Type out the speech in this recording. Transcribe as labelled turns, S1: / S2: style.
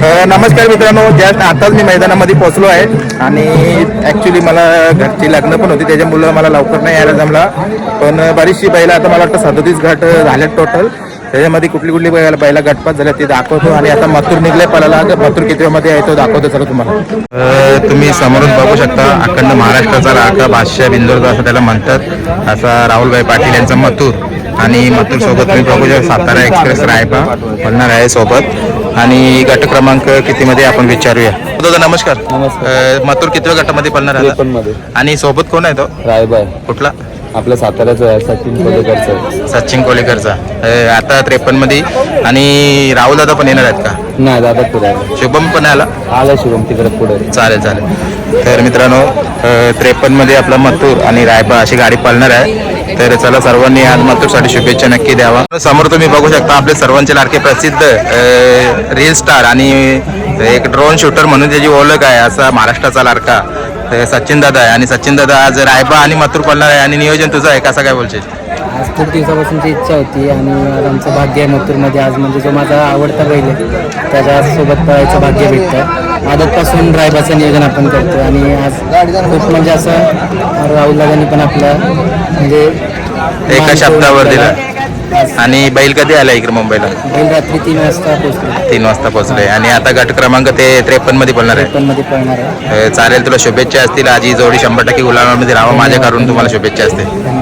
S1: नमस्कार मित्रांनो, जस्ट आताच मी मैदानामध्ये पोहोचलो आहे आणि ॲक्च्युली मला घरची लग्न पण होती, त्याच्यामुळं मला लवकर नाही यायला जमला. पण बरीचशी बैला आता मला वाटतं 37 घाट झाल्यात टोटल. त्याच्यामध्ये कुठली कुठली बैला गटपात झाल्या ते दाखवतो आणि आता मथुर निघले पळाला. मथुर किती मध्ये आहे तो दाखवतो सर तुम्हाला. तुम्ही समोरून बघू शकता अखंड महाराष्ट्राचा राखा बादशाह बिंदोर असं त्याला म्हणतात, असा राहुलभाई पाटील यांचा मथुर. आणि मथुर सोबत तुम्ही बघू शकता सातारा एक्सप्रेस रायबा म्हणणार आहे सोबत. आणि गट क्रमांक किती मध्ये आपण विचारूया. दादा नमस्कार. मथुर कितव्या गटामध्ये पळणार आहे आणि सोबत कोण आहे तो? रायबा. कुठला?
S2: आपल्या साताऱ्याचा आहे, सचिन कोलेकरचा.
S1: सचिन कोलेकरचा आता 53 मध्ये. आणि राहुल दादा पण येणार आहेत का?
S2: नाही दादा पुढे
S1: शुभम पण आला
S2: शुभम तिकडे पुढे.
S1: चालेल चालेल. तर मित्रांनो 53 मध्ये आपला मथुर आणि रायबा अशी गाडी पळणार आहे. तर चला सर्वांनी आज मथुरसाठी शुभेच्छा नक्की द्यावा. समोर तुम्ही बघू शकता आपले सर्वांचे लाडके प्रसिद्ध रील स्टार आणि एक ड्रोन शूटर म्हणून त्याची ओळख आहे असा महाराष्ट्राचा लाडका सचिन दादा आहे. आणि सचिन दादा आज रायबा आणि मथुर पळणार आहे आणि नियोजन तुझं आहे, कसं काय बोलशील?
S3: आज खूप दिवसापासूनची इच्छा होती आणि आज आमचं भाग्य आहे मथुरमध्ये. आज म्हणजे जो माझा आवडता बैल आहे त्याच्यासोबत पळायचं भाग्य भेटतं. आदतपासून रायबाचं नियोजन आपण करतो आणि आज खूप म्हणजे असं राहुल दादांनी पण आपलं म्हणजे
S1: एका शब्दावर दिला. आणि बैल कधी आला इकडे मुंबईला?
S3: बैल रात्री 3 वाजता पोहोचले.
S1: 3 वाजता पोहोचले आणि आता गट क्रमांक ते 53 मध्ये पळणार आहे.
S3: 53 मध्ये पळणार आहे.
S1: चालेल, तुला शुभेच्छा असतील. आज ही जोडी 100% गुलामामध्ये राहावं माझ्याकडून तुम्हाला शुभेच्छा असतील.